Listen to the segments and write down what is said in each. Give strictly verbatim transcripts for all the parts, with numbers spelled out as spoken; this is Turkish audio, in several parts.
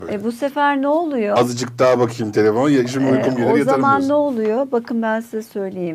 E bu sefer ne oluyor? Azıcık daha bakayım telefona. Ya, şimdi uykum Ee, gelir o yatarım zaman diyorsun. ne oluyor? Bakın ben size söyleyeyim.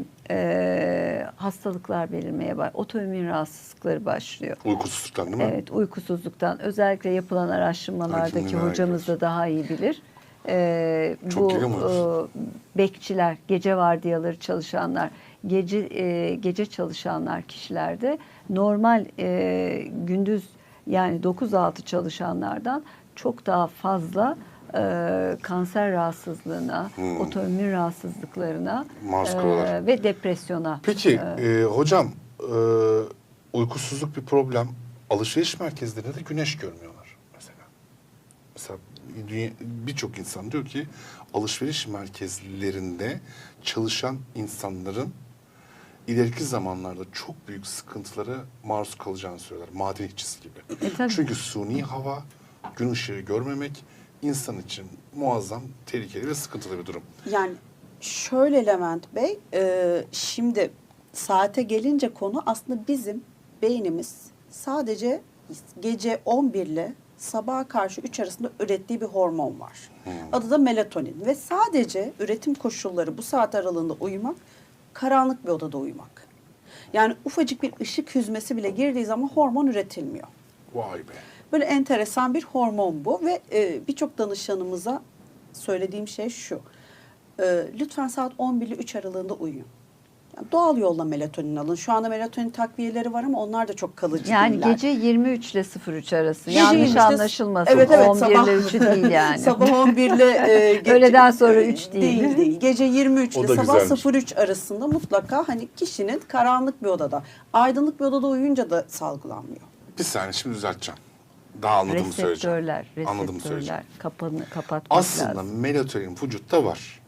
Ee, hastalıklar belirmeye başlıyor. Otoimmün rahatsızlıkları başlıyor. Uykusuzluktan değil mi? Evet, uykusuzluktan. Özellikle yapılan Ay, araştırmalardaki şimdi merak hocamız da ediyorum. daha iyi bilir. Ee, Çok bu geliyor mu uykusuzluk? e, bekçiler, gece vardiyaları çalışanlar, gece e, gece çalışanlar kişilerde normal e, gündüz yani dokuz altı çalışanlardan çok daha fazla e, kanser rahatsızlığına, Hmm. otoimmün rahatsızlıklarına Maruz e, kalıyorlar. ve depresyona. Peki e, hocam e, uykusuzluk bir problem. Alışveriş merkezlerinde de güneş görmüyorlar mesela. Mesela dünya- birçok insan diyor ki alışveriş merkezlerinde çalışan insanların ileriki zamanlarda çok büyük sıkıntılara maruz kalacağını söylüyorlar. Maden işçisi gibi. E, tabii. Çünkü suni hava, gün ışığı görmemek insan için muazzam tehlikeli ve sıkıntılı bir durum. Yani şöyle Levent Bey, e, şimdi saate gelince konu aslında bizim beynimiz sadece gece on bir ile sabaha karşı üç arasında ürettiği bir hormon var. Adı da melatonin ve sadece üretim koşulları bu saat aralığında uyumak, karanlık bir odada uyumak. Yani ufacık bir ışık hüzmesi bile girdiği zaman hormon üretilmiyor. Vay be. Böyle enteresan bir hormon bu ve e, birçok danışanımıza söylediğim şey şu. E, lütfen saat on bir ile üç aralığında uyuyun. Yani doğal yolla melatonin alın. Şu anda melatonin takviyeleri var ama onlar da çok kalıcı Yani değiller. gece yirmi üç ile sıfır üç arası. Gece Yanlış yirmi üç ile anlaşılmasın. Evet, evet, on bir sabah- ile üçü değil yani. Sabah on bir ile e, gece- Öğleden sonra üç değil. Değil değil. Gece yirmi üç O ile da sabah güzelmiş. sıfır üç arasında mutlaka hani kişinin karanlık bir odada, aydınlık bir odada uyuyunca da salgılanmıyor. Bir saniye şimdi düzelteceğim. Daha anladığımı söyleyeceğim. Reseptörler, Anladığımı söyleyeceğim. reseptörler kapanı, kapatmak Aslında lazım. melatonin vücutta var.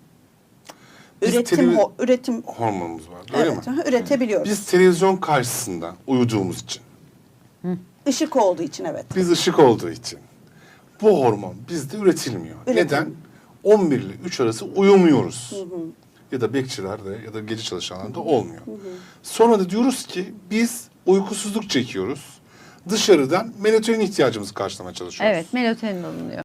Biz Üretim televi- ho- üretim hormonumuz var. Öyle evet, mi? aha, üretebiliyoruz. Biz televizyon karşısında uyuduğumuz için, Işık olduğu için evet. biz ışık olduğu için bu hormon bizde üretilmiyor. Üretim. Neden? on bir ile üç arası uyumuyoruz. Ya da bekçilerde ya da gece çalışanlarda olmuyor. Sonra da diyoruz ki biz uykusuzluk çekiyoruz. Dışarıdan melatonin ihtiyacımızı karşılamaya çalışıyoruz. Evet, melatonin alınıyor.